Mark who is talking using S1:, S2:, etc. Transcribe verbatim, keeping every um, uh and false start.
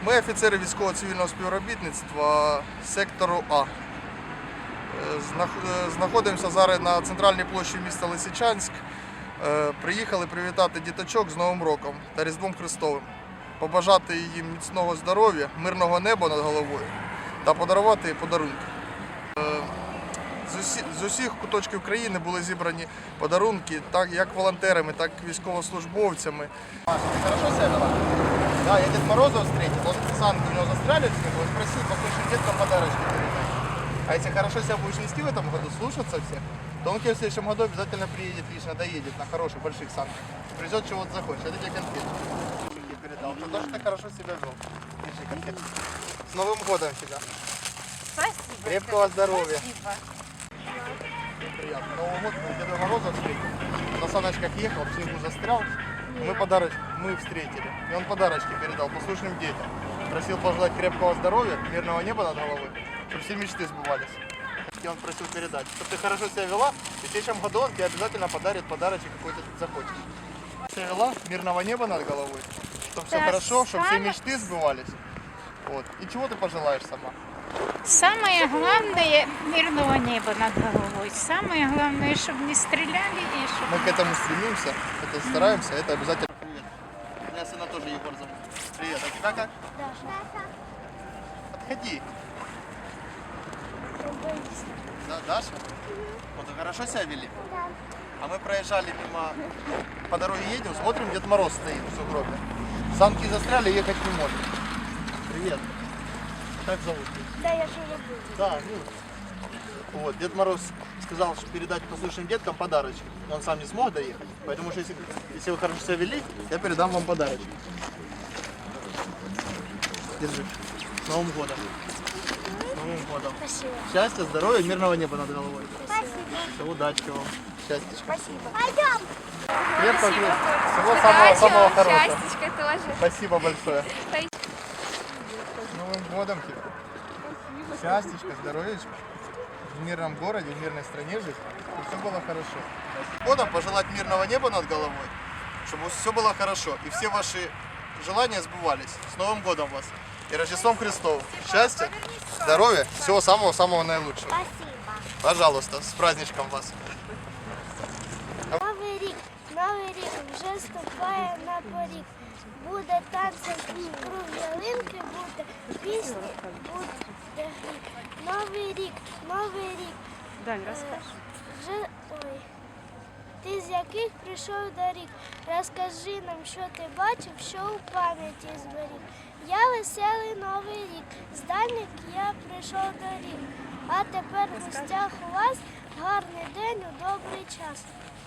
S1: Ми офіцери військово-цивільного співробітництва сектору А. Знаходимося зараз на центральній площі міста Лисичанськ. Приїхали привітати діточок з Новим роком та Різдвом Христовим, побажати їм міцного здоров'я, мирного неба над головою та подарувати подарунки. З усіх, з усіх куточків країни були зібрані подарунки, так як волонтерами, так і військовослужбовцями.
S2: Маша, ты хорошо себя вела? Да, я Дед Мороза встретил, он санки у него застряли в снегу, он просил послушным деткам подарочки передать. А если хорошо себя будешь нести в этом году, слушаться всех, то он к тебе в следующем году обязательно приедет, лично доедет на хороших, больших санках. Привезет, чего ты захочешь. Это тебе конфеты. Я передал. За то, что ты хорошо себя вел. Держи конфеты. С Новым годом тебя.
S3: Спасибо.
S2: Крепкого здоровья.
S3: Спасибо.
S2: Приятно. Новый год мы Деда Мороза встретили. На саночках ехал, в снегу застрял. Мы подарочки, мы встретили. И он подарочки передал послушным детям. Просил пожелать крепкого здоровья, мирного неба над головой, чтобы все мечты сбывались. И он просил передать, чтобы ты хорошо себя вела, и в следующем году он тебе обязательно подарит подарочек, какой ты захочешь. Себя вела, мирного неба над головой, чтобы все
S3: Да,
S2: хорошо, чтобы все
S3: сама-
S2: мечты сбывались. Вот. И чего ты пожелаешь сама?
S3: Самое главное – мирного неба над головой. Самое главное, чтобы не стреляли и чтобы...
S2: Мы к этому стремимся, это стараемся, это обязательно. Привет. Меня сына тоже Егор зовут. Привет. А тебя как?
S4: Даша.
S2: Подходи. Да, Даша? Вот вы хорошо себя вели?
S4: Да.
S2: А мы проезжали мимо, по дороге едем, смотрим, Дед Мороз стоит в сугробе. Санки застряли, ехать не может. Привет. Как зовут?
S4: Да, я же люблю.
S2: Да, ну. Вот, Дед Мороз сказал, что передать послушным деткам подарочки. Но он сам не смог доехать. Поэтому что если, если вы хорошо себя вели, я передам вам подарочки. Держи. С Новым годом. С Новым годом.
S4: Спасибо.
S2: Счастья, здоровья, мирного неба над головой.
S4: Спасибо.
S2: Все, удачи вам. Счастья.
S4: Спасибо. Пойдем.
S2: Крепко, крепко. Всего самого, самого хорошего.
S5: Счастьечка тоже.
S2: Спасибо большое.
S5: Спасибо.
S2: С Новым годом тебя. Счастьечка, здоровьечка. В мирном городе, в мирной стране жить. Чтобы все было хорошо. Годом пожелать мирного неба над головой. Чтобы все было хорошо. И все ваши желания сбывались. С Новым годом вас. И Рождеством Христовым. Счастья, здоровья, всего самого-самого наилучшего.
S4: Спасибо.
S2: Пожалуйста, с праздничком вас.
S4: Новий рік, новий рік вже ступає на поріг. Буде танцем круг ялинки, буде пісні, буде гріх. Новий рік, новий рік.
S5: Дань,
S4: Е, Вже, ой. Ти з яких прийшов до рік? Розкажи нам, що ти бачив, що у пам'яті зберіг. Я веселий новий рік, з дальніх я прийшов до рік. А тепер в гостях у вас гарний день у добрий час.